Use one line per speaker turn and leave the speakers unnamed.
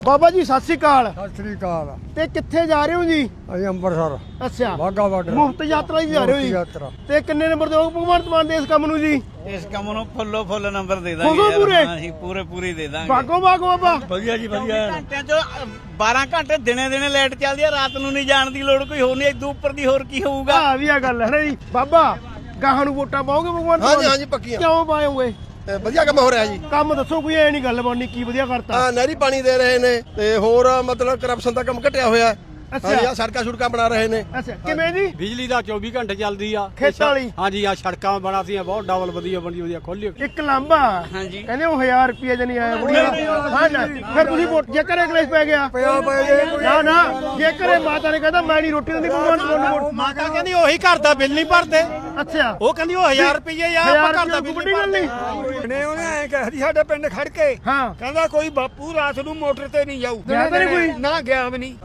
ਬਾਬਾ ਜੀ ਸਤਿ ਸ੍ਰੀ ਅਕਾਲ।
ਸਤਿ ਸ੍ਰੀ ਅਕਾਲ।
ਤੇ ਕਿੱਥੇ ਜਾ ਰਹੇ ਹੋ ਜੀ?
ਅਸੀਂ ਅੰਮ੍ਰਿਤਸਰ
ਅੱਛਾ,
ਵਾਹਗਾ ਬਾਰਡਰ
ਮੁਫਤ ਯਾਤਰਾ ਹੀ ਜਾ ਰਹੇ ਹੋ ਜੀ।
ਯਾਤਰਾ
ਤੇ ਕਿੰਨੇ ਨੰਬਰ ਦਿਓ ਭਗਵੰਤ ਮਾਨ ਦੇ ਇਸ ਕੰਮ ਨੂੰ ਜੀ?
ਇਸ ਕੰਮ ਨੂੰ ਫੁੱਲ ਨੰਬਰ ਦੇ
ਫੁੱਲੋ
ਦਾਂਗੇ
ਪੂਰੇ?
ਹਾਂ ਅਸੀਂ ਪੂਰੇ ਦੇ ਦਾਂਗੇ।
ਬਾਗੋ ਬਾਬਾ।
ਵਧੀਆ ਜੀ ਵਧੀਆ। ਘੰਟਿਆਂ ਚ 12 ਘੰਟੇ ਦਿਨੇ ਲਾਈਟ ਚੱਲਦੀ ਆ, ਰਾਤ ਨੂੰ ਨਹੀਂ ਜਾਣ ਦੀ ਲੋੜ ਕੋਈ ਹੋਰ ਨਹੀਂ। ਇਦੋਂ ਉੱਪਰ ਦੀ ਹੋਰ ਕੀ ਹੋਊਗਾ?
ਆ ਵੀ ਆ ਗੱਲ ਹੈ ਨਾ ਜੀ। ਬਾਬਾ ਗਾਹਾਂ ਨੂੰ ਵੋਟਾਂ ਪਾਓਗੇ ਭਗਵੰਤ ਮਾਨ?
ਹਾਂਜੀ ਪੱਕੀਆਂ।
ਕਿਉਂ ਪਾਓਗੇ?
ਵਧੀਆ ਕੰਮ ਹੋ ਰਿਹਾ ਜੀ।
ਕੰਮ ਦੱਸੋ, ਕੋਈ ਐ ਨਹੀਂ ਗੱਲ ਬਣਨੀ। ਕੀ ਵਧੀਆ ਕਰਤਾ?
ਹਾਂ, ਨਹਿਰੀ ਪਾਣੀ ਦੇ ਰਹੇ ਨੇ ਤੇ ਹੋਰ ਮਤਲਬ ਕਰਪਸ਼ਨ ਦਾ ਕੰਮ ਘਟਿਆ ਹੋਇਆ।
ਅੱਛਾ।
ਹਾਂਜੀ, ਆ ਸੜਕਾਂ ਬਣਾ ਰਹੇ ਨੇ।
ਅੱਛਾ, ਕਿਵੇਂ ਜੀ?
ਬਿਜਲੀ ਦਾ 24 ਘੰਟੇ ਚੱਲਦੀ ਆ
ਖੇਤਾਂ ਵਾਲੀ?
ਹਾਂਜੀ, ਆ ਸੜਕਾਂ ਬਣਾਤੀਆਂ ਬਹੁਤ ਡਬਲ ਵਧੀਆ ਖੋਲੀ।
ਇੱਕ ਲਾਂਬਾ
ਹਾਂਜੀ।
ਕਹਿੰਦੇ ਉਹ 1000 ਰੁਪਏ ਜਣੀ ਆਇਆ ਹਾਂ ਨਾ। ਫਿਰ ਤੁਸੀਂ ਵੋਟ ਜੇ ਘਰੇ ਕਲੇਸ਼ ਪੈ ਗਿਆ? ਨਾ ਜੇ ਘਰੇ ਮਾਤਾ ਨੇ ਕਹਿੰਦਾ ਮੈਂ ਨਹੀਂ ਰੋਟੀ ਦਿੰਦੀ ਭਗਵੰਤ ਮਾਨ ਨੂੰ ਵੋਟ।
ਮਾਤਾ ਕਹਿੰਦੀ ਉਹੀ ਘਰ ਦਾ ਬਿੱਲ ਨਹੀਂ ਭਰਦੇ।
ਅੱਛਾ,
ਉਹ ਕਹਿੰਦੀ ਉਹ 1000 ਰੁਪਏ ਆ, ਆਪਾਂ ਘਰ ਦਾ ਬਿੱਲ
ਵੱਡੀ ਗੱਲ ਨਹੀਂ।
ਨੇ ਉਹਨੇ ਐ ਕਿਹਾ ਸੀ ਸਾਡੇ ਪਿੰਡ ਖੜ ਕੇ,
ਹਾਂ,
ਕਹਿੰਦਾ ਕੋਈ ਬਾਪੂ ਰਾਤ ਨੂੰ ਮੋਟਰ ਤੇ ਨਹੀਂ ਜਾਊ।
ਗਿਆ ਤਾਂ ਨਹੀਂ ਕੋਈ?
ਨਾ ਗਿਆ ਵੀ ਨਹੀਂ।